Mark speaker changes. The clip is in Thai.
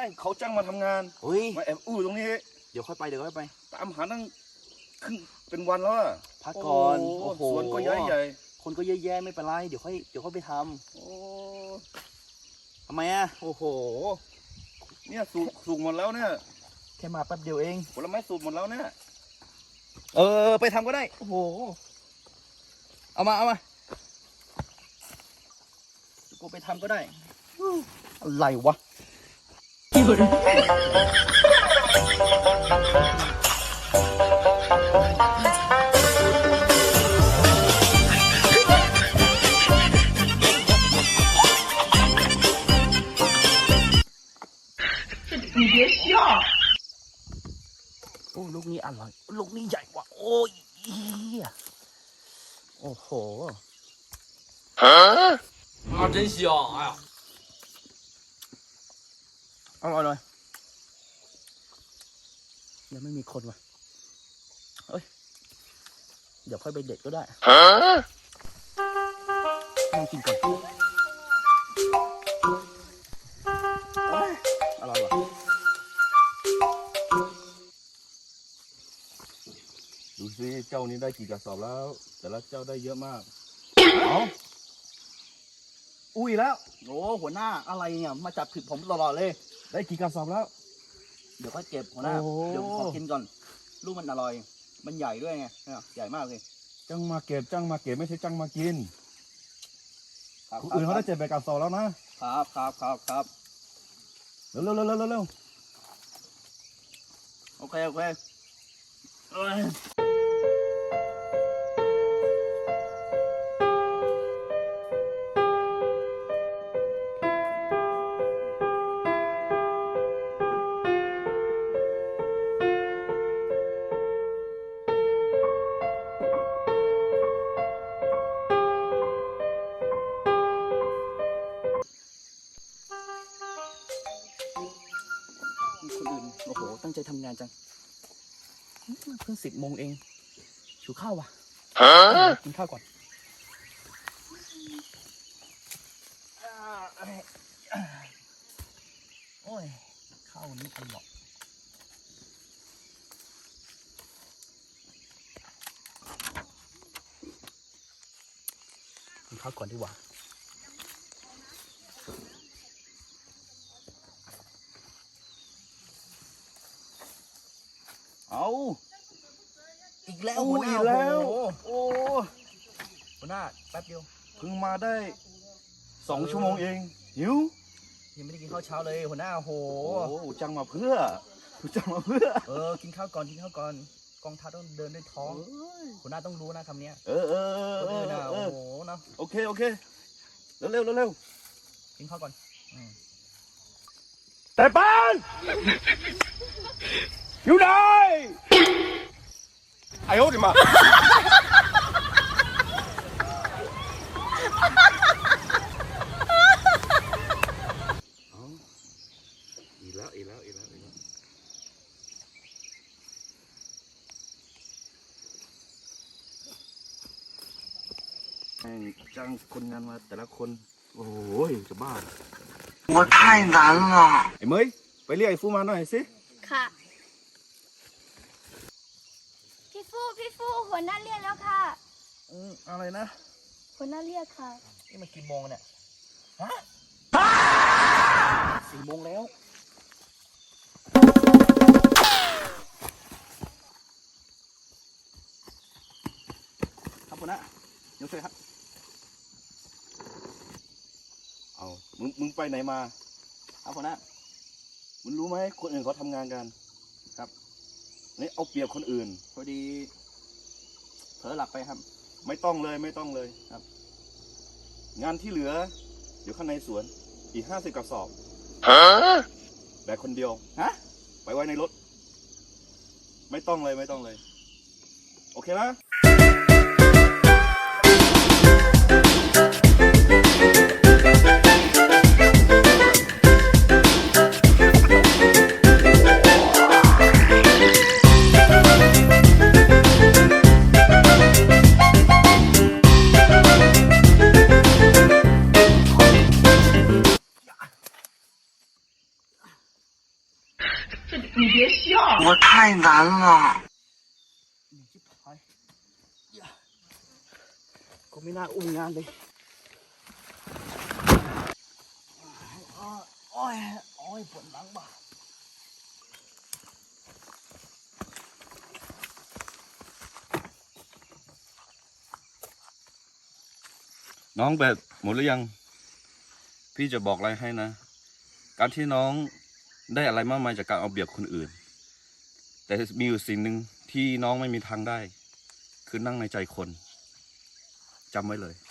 Speaker 1: เขาจ้างมาทำงาน
Speaker 2: เฮ้ย
Speaker 1: มาแอบตรงนี้
Speaker 2: เดี๋ยวค่อยไป
Speaker 1: ตามหาตั้งครึ่งเป็นวันแล้ว
Speaker 2: พักก่อน
Speaker 1: โอ้โหสวนก็ใหญ่ใหญ่
Speaker 2: คนก็เยอะแยะไม่เป็นไรเดี๋ยวค่อยไปทำทำไมอ่ะโอ้โห
Speaker 1: เนี่ยสูงหมดแล้วเนี่ย
Speaker 2: แค่มาแป๊บเดียวเอง
Speaker 1: ผลไม้สูงหมดแล้วเนี่ย
Speaker 2: ไปทำก็ได้โอ้โหเอามากูไปทำก็ได้อะไรวะ
Speaker 3: 你别笑。
Speaker 2: โอ้ลูกนี้อร่อยลูกนี้ใหญ่ว่ะโอ้ยโอ้โห
Speaker 3: 啊，真香！哎呀，
Speaker 2: อร่อยเลยยังไม่มีคนว่ะเอ้ยเดี๋ยวค่อยไปเด็ดก็ได้ลองกินก่อนอร่อยว่ะ
Speaker 1: ดูสิเจ้านี้ได้กี่กระสอบแล้วแต่ละเจ้าได้เยอะมาก
Speaker 2: อุ้ยแล้วโอ้หัวหน้าอะไรเนี่ยมาจับผิดผมตลอดเลย
Speaker 1: ได้กี่กระสอบแล้ว
Speaker 2: เดี๋ยวก็เก็บหัวหน้าเดี๋ยวขอกินก่อนลูกมันอร่อยมันใหญ่ด้วยไงใหญ่มากเลย
Speaker 1: จ้างมาเก็บไม่ใช่จ้างมากินคนอื่นเขาได้7 ใบกระสอบแล้วนะครับเร็ว
Speaker 2: โอเคคนอื่นโอ้โหตั้งใจทำงานจังเพิ่ง10 โมงเองหิวข้าวว่ะกินข้าวก่อนโอ้ยข้าวนี้อร่อยกินข้าวก่อนดีกว่าเอาอีกแล้วหัวหน้าโอ้หัวหน้าแป๊บเดียว
Speaker 1: เพิ่งมาได้2 ชั่วโมงเองหิว
Speaker 2: ยังไม่ได้กินข้าวเช้าเลยหัวหน้าโห
Speaker 1: จ้างมาเพื่อ
Speaker 2: กินข้าวก่อนกองทัพต้องเดินด้วยท้องหัวหน้าต้องรู้นะคำนี้โอ้โหนะ
Speaker 1: โอเคเร็ว
Speaker 2: กินข้าวก่อน
Speaker 1: แต่บ้านอยู่ไหน哎呦我的妈อีกแล้วจ้างคนงานมาแต่ละคนโอ้ยจะบ้า
Speaker 3: 我太难了。
Speaker 1: ไอ้เมย์ไปเรียกไอ้ฟูมาหน่อยสิ
Speaker 4: ค่ะพี่ฟูหัวหน้าเรียกแล้วค่ะ
Speaker 1: อะไรนะ
Speaker 4: หัวหน้าเรียกค่ะ
Speaker 2: นี่มันกี่โมงเนี่ยฮะ4 โมงแล้วครับหัวหน้าเดี๋ยวช่วยครับ
Speaker 1: เอามึงไปไหนมา
Speaker 2: ครับหัวหน้า
Speaker 1: มึงรู้ไหมคนอื่นเขาทำงานกันครับนี่เอาเปรียบคนอื่น
Speaker 2: พอดีเผลอหลับไปครับ
Speaker 1: ไม่ต้องเลยครับงานที่เหลืออยู่ข้างในสวนอีก50 กระสอบแบกคนเดียวไปไว้ในรถไม่ต้องเลยโอเคไหม
Speaker 3: 我太难了。
Speaker 2: นี่ชิบหายอย่าก็ไม่น่าอุ้มงานเลยโอ้ยปวดหลังบ่า
Speaker 1: น้องแบตหมดหรือยัง พี่จะบอกอะไรให้นะ การที่น้องได้อะไรมากมายจากการเอาเปรียบคนอื่น แต่มีอยู่สิ่งหนึ่งที่น้องไม่มีทางได้ คือนั่งในใจคนจำไว้เลย